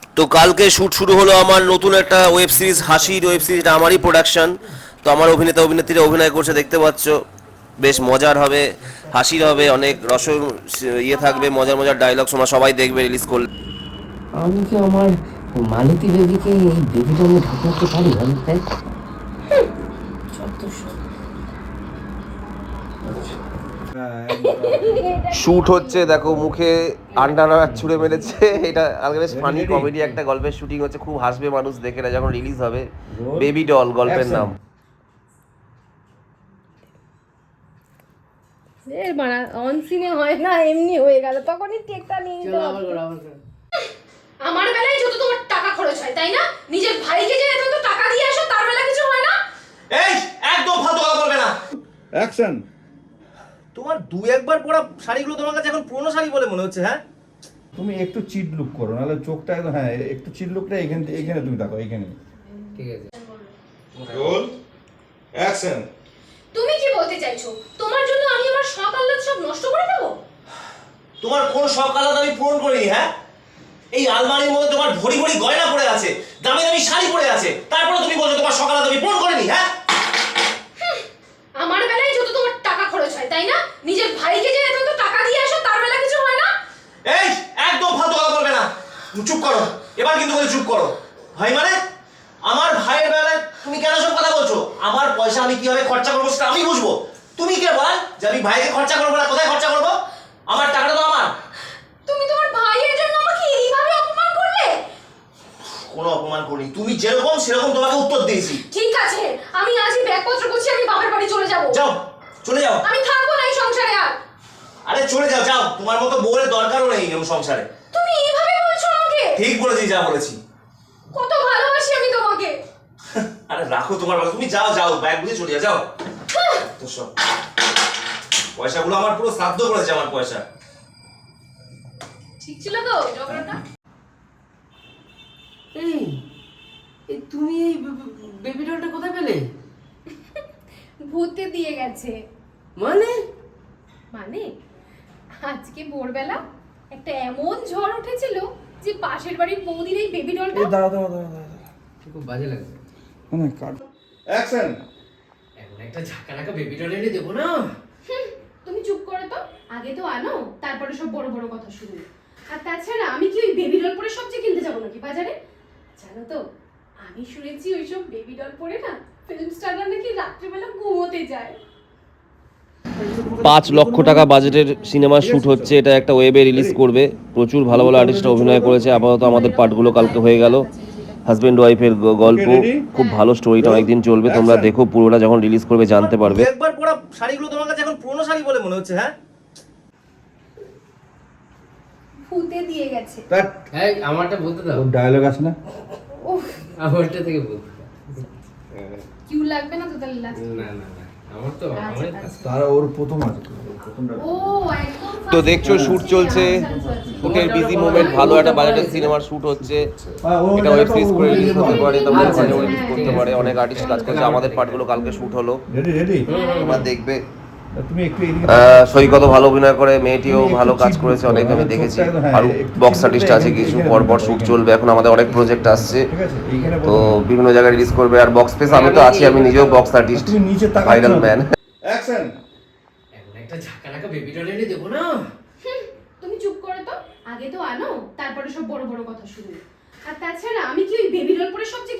তো কালকে শ্যুট শুরু হলো আমার নতুন একটা ওয়েব সিরিজ, হাসির ওয়েব সিরিজটা আমারই প্রোডাকশন। তো আমার অভিনেতা অভিনেত্রীরা অভিনয় করছে, দেখতে পাচ্ছ। বেশ মজার হবে, হাসির হবে, অনেক ইয়ে থাকবে, মজার মজার ডায়লগ তোমরা সবাই দেখবে রিলিজ করলে। আমি কি আমার মালতী বেবিকে এই বেবি ডলে ঢুকাতে পারি আমি তাই? শ্যুট হচ্ছে, দেখো মুখে আন্ডার ছুঁড়ে মেরেছে। এটা আজকে বেশ ফানি কমেডি একটা গল্পের শুটিং হচ্ছে, খুব হাসবে মানুষ দেখে, না যখন রিলিজ হবে। বেবি ডল গল্পের নাম। এর মানে অন সিনে হয় না, এমনি হয়ে গেল, তখনই টেকটা নিয়ে নিতে হবে। আমার বেলায় যত তোমার টাকা খরচ হয় তাই না? নিজের ভাইকে যে এত টাকা দিয়ে আসো তার বেলা কিছু হয় না? এই একদম ফালতু কথা বলবে না। অ্যাকশন। তোমার দুই একবার পরা শাড়িগুলো তোমার কাছে এখন পুরনো শাড়ি বলে মনে হচ্ছে, হ্যাঁ? তুমি একটু চিট লুক করো, নাহলে চোখটা একদম, হ্যাঁ একটু চিট লুকটা এখানে এখানে তুমি দেখো, এখানে। ঠিক আছে। Roll action. তুমি কি বলতে চাইছো? তোমার জন্য আমি আমার শখ আহ্লাদ সব নষ্ট করে দেব? তোমার কোন শখ আলাদা আমি পূরণ করিনি, হ্যাঁ? এই আলমারির মধ্যে তোমার ভরি ভরি গয়না পড়ে আছে, দামি দামি শাড়ি পড়ে আছে, তারপরে তুমি বলছো তোমার শখ আলাদা আমি পূরণ করিনি, হ্যাঁ? আমার বেলায় যত তোমার টাকা খরচ হয় তাই না? নিজের ভাইকে যে এত টাকা দিয়ে আসো তার বেলা কিছু হয় না? এই একদম ফালতু কথা বলবে না। চুপ করো, এবার কিন্তু বলে চুপ করো। ভাই মানে আমার ভাইয়ের বেলায় তুমি কেন সব কথা বলছো? আমার পয়সা আমি কিভাবে খরচা করবো সেটা আমি বুঝবো। তুমি কে বল যে আমি ভাইকে খরচা করবো না? কোথায় খরচা করবো? আমার টাকাটা তো আমার। তুমি তোমার ভাইয়ের জন্য আমাকে এইভাবে অপমান করলে? কোনো অপমান করিনি, তুমি যেরকম সেরকম তোমাকে উত্তর দিয়েছি। ঠিক আছে, আমি আজই ব্যাগপত্র গুছিয়ে আমি বাবার বাড়ি চলে যাব। যাও, চলে যাও। আমি থাকবো না এই সংসারে আর। আরে চলে যাও, যাও। তোমার মতো বউয়ের দরকারও নেই এই সংসারে। তুমি এইভাবে বলছো আমাকে? ঠিক বলেছি, যা বলেছি। কত ভালোবাসি আমি তোমাকে। আরে রাখো তোমার কথা, তুমি যাও, যাও, ব্যাগ বুঝে চলে যাও, যাও। তো সব পয়সাগুলো আমার পুরো শ্রাদ্ধ করেছে, আমার পয়সা। ঠিক ছিল তো ঝগড়াটা? এই এই তুমি এই বেবি ডলটা কোথায় পেলে? ভূতে দিয়ে গেছে। মানে মানে আজকে ভোরবেলা একটা এমন ঝড় উঠেছিল যে পাশের বাড়ির বৌদির এই বেবি ডলটা দাঁড়া। খুব বাজে লাগছে। মানে কাট। অ্যাকশন। এখন একটা ঝাঁকা রাখা বেবি ডল এনে দেবো না? তুমি চুপ করো তো, আগে তো আনো, তারপরে সব বড় বড় কথা শুরু। আর তাছাড়া আমি কি ওই বেবি ডল পরে সবচেয়ে কিনতে যাবো নাকি বাজারে? জানো তো, আমি শুনেছি ওইসব বেবি ডল পরে না ফিল্ম স্টাররা নাকি রাত্রিবেলা ঘুমোতে যায়। 5 লক্ষ টাকা বাজেটের সিনেমার শ্যুট হচ্ছে, এটা একটা ওয়েবে রিলিজ করবে। প্রচুর ভালো ভালো আর্টিস্টরা অভিনয় করেছে। আপাতত আমাদের পার্টগুলো কালকে হয়ে গেল। হাজব্যান্ড ওয়াইফের গল্প, খুব ভালো স্টোরিটা, অনেকদিন চলবে। তোমরা দেখো, পুরোটা যখন রিলিজ করবে জানতে পারবে। একবার পরা শাড়িগুলো তোমার কাছে এখন পুরনো শাড়ি বলে মনে হচ্ছে, হ্যাঁ? ভূতে দিয়ে গেছে। কাট। এই আমারটা বলতে দাও। ওর ডায়লগ আছে না? উফ, আমারটা থেকে বলতে দাও। কিউ লাগবে না তো তাহলে last? না না না, আমার তো আচ্ছা, আমার আচ্ছা। তারা ওর প্রথম আছে, প্রথমটা। ও একদম তো first দেখছো time শ্যুট হচ্ছে। চলছে, আচ্ছা, আচ্ছা, আচ্ছা। শুটের বিজি মোমেন্ট, ভালো একটা বাজেটের সিনেমার শ্যুট হচ্ছে। ও এটা ওয়েব সিরিজ করে রিলিজ হতে পারে, তোমরা আচ্ছা, ওখানে আচ্ছা, রিলিজ করতে পারে। অনেক আর্টিস্ট কাজ করছে, আমাদের পার্টগুলো কালকে শ্যুট হলো, রেডি। তোমরা দেখবে। তুমি একটু এদিকে সৈকত ভালো অভিনয় করে, মেয়েটিও ভালো কাজ করেছে, অনেক আমি দেখেছি। আর বক্স আর্টিস্ট আছে কিছু, পরপর শ্যুট চলবে। এখন আমাদের অনেক প্রজেক্ট আসছে, ঠিক আছে, এইখানে তো বিভিন্ন জায়গায় রিলিজ করবে। আর বক্স স্পেস আমি তো আছি, আমি নিজেও বক্স আর্টিস্ট, তুমি নিচে তাকাচ্ছ ভাইরাল না। ম্যান। অ্যাকশন। এখন একটা ঝাঁকা রাখা বেবি ডল এনে দেবো না? তুমি চুপ করো তো, আগে তো আনো, তারপরে সব বড় বড় কথা শুরু। আর তাছাড়া আমি কি ওই বেবি ডল পরে সবচেয়ে